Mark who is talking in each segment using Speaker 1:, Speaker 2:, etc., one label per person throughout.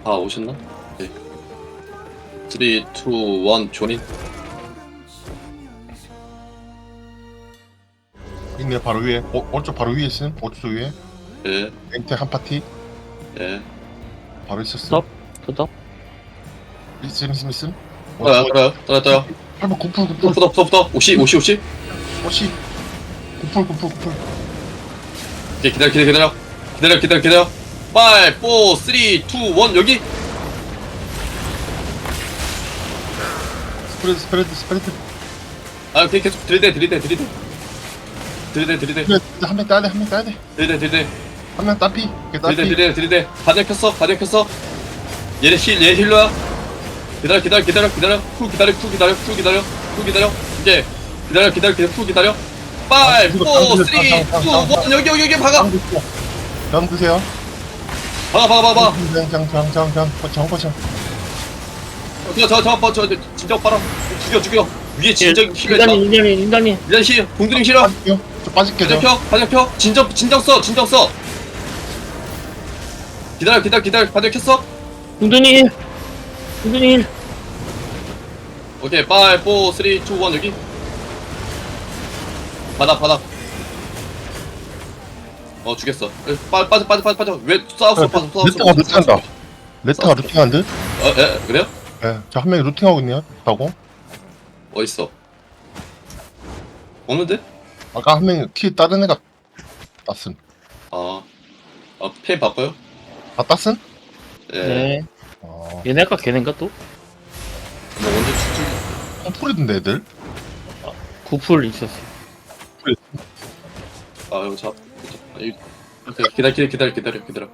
Speaker 1: 다 오셨나? 네. 3, 2, 1 조닌.
Speaker 2: 있네 바로 위에. 오른쪽 바로 위에 있음. 오른쪽 위에.
Speaker 1: 예.
Speaker 2: 멘트 한 파티
Speaker 1: 예.
Speaker 2: 바로 있었어.
Speaker 3: 스톱 스톱.
Speaker 2: 있음.
Speaker 1: 떠요.
Speaker 2: 8번 구풀.
Speaker 1: 부터. 오시.
Speaker 2: 오씨. 구풀.
Speaker 1: 오케이, 기다려. 5, 4, 3, 2, 1 여기.
Speaker 2: 스프레드.
Speaker 1: 아, 오케이, 계속 들이대.
Speaker 2: 한명 따야 돼.
Speaker 1: 들이대.
Speaker 2: 한 명 따피. 따피.
Speaker 1: 들이대. 가디언 켰어. 얘 힐러야. 기다려. 쿨 기다려. 이제 기다려. 쿨 기다려. 5, 4, 3, 2, 1 여기 박아.
Speaker 2: 장 드세요.
Speaker 1: 박아.
Speaker 2: 장.
Speaker 1: 저 진정 빨아. 죽여. 위에 진정 힐러 있다.
Speaker 3: 인간이
Speaker 1: 일단 힐. 공들임 힐러.
Speaker 2: 저 빠질게 저.
Speaker 1: 가디언 켜. 진정 써. 기다려. 가디언 켰어.
Speaker 3: 군둔이 힐.
Speaker 1: 오케이, 5, 4, 3, 2, 1 여기. 바닥. 죽였어. 빠져. 왜 싸웠어?
Speaker 2: 레타가 루팅한다. 레타가 루팅한 듯?
Speaker 1: 그래요?
Speaker 2: 예. 저 한 명이 루팅하고 있네요. 라고.
Speaker 1: 어딨어? 없는데?
Speaker 2: 아까 한 명이 키 다른 애가 땄음.
Speaker 1: 펜 바꿔요?
Speaker 2: 다 땄음?
Speaker 1: 예.
Speaker 3: 네.
Speaker 2: 어.
Speaker 3: 얘네 아까 걔네인가 또?
Speaker 1: 뭐 언제 추출?
Speaker 2: 컴플이던데 애들?
Speaker 3: 구풀 있었어.
Speaker 1: 이거 기다려.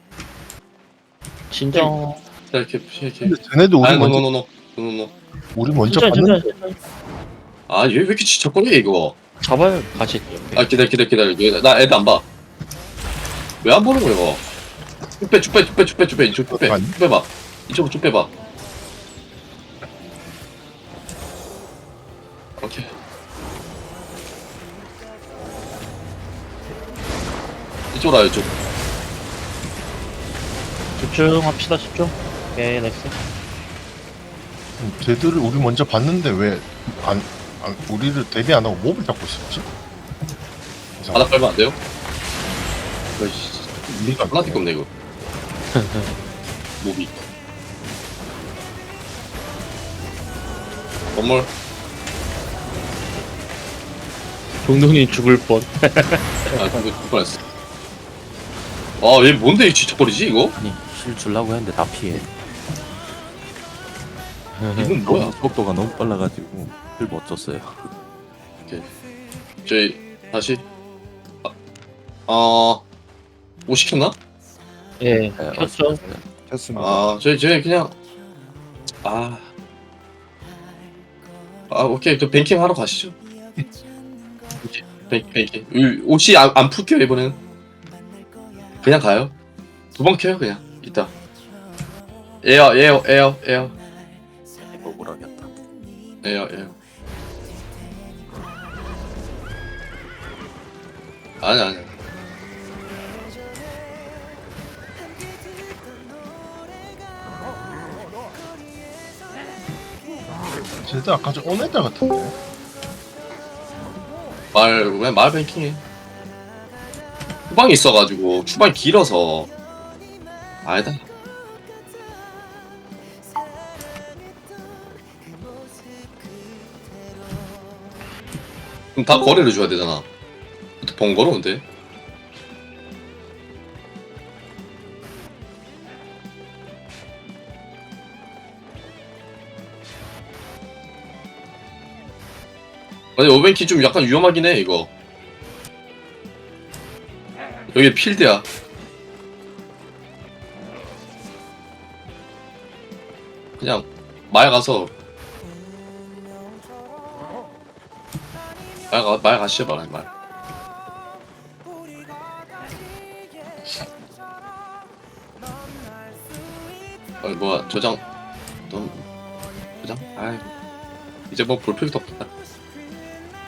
Speaker 3: 진정.
Speaker 1: 기다려.
Speaker 2: 근데 쟤네들 우리 먼저
Speaker 1: 노.
Speaker 2: 우리 먼저
Speaker 3: 진짜.
Speaker 2: 봤는데
Speaker 1: 얘 왜 이렇게 지척거려 이거?
Speaker 3: 잡아요 같이.
Speaker 1: 기다려. 나 애들 안 봐. 왜 안 보는 거야 이거? 쭉 빼. 이쪽
Speaker 2: 아니?
Speaker 1: 쭉 빼봐. 이쪽으로 쭉 빼봐. 오케이. 이쪽으로 와요, 이쪽.
Speaker 3: 집중합시다 집중. 오케이 넥스.
Speaker 2: 쟤들을 우리 먼저 봤는데 왜 우리를 대비 안 하고 몹을 잡고 있었지?
Speaker 1: 바닥 깔면 안 돼요?
Speaker 2: 리가
Speaker 1: 하나밖에 없네 이거. 모비. 건물.
Speaker 3: 동동이 죽을 뻔.
Speaker 1: 그거 죽을 뻔했어. 얘 뭔데 이 지척거리지 이거?
Speaker 4: 아니 실 주려고 했는데 다 피해.
Speaker 1: 이건 뭐야?
Speaker 4: 속도가 너무 빨라가지고 실 못 줬어요.
Speaker 1: 저희 다시. 뭐 시켰나?
Speaker 3: 예.
Speaker 4: 네,
Speaker 3: 켰죠.
Speaker 4: 켰습니다.
Speaker 1: 저희 그냥. 오케이. 저 뱅킹 하러 가시죠. 뱅킹. 옷이 안 풀게요 이번엔. 그냥 가요. 2번 켜요 그냥. 이따. 에어.
Speaker 4: 이거 뭐라겠다.
Speaker 1: 에어. 아니.
Speaker 2: 쟤들 아까 전 온 애들 같은데.
Speaker 1: 그냥 말 뱅킹해. 추방이 있어가지고 추방이 길어서. 아니다. 그럼 다 거래를 줘야 되잖아. 번거로운데. 아니 오벤키 좀 약간 위험하긴 해 이거. 여기 필드야. 그냥 말 가서 말 가시죠 말. 뭐야 저장. 아이고 이제 뭐 볼 필요도 없겠다.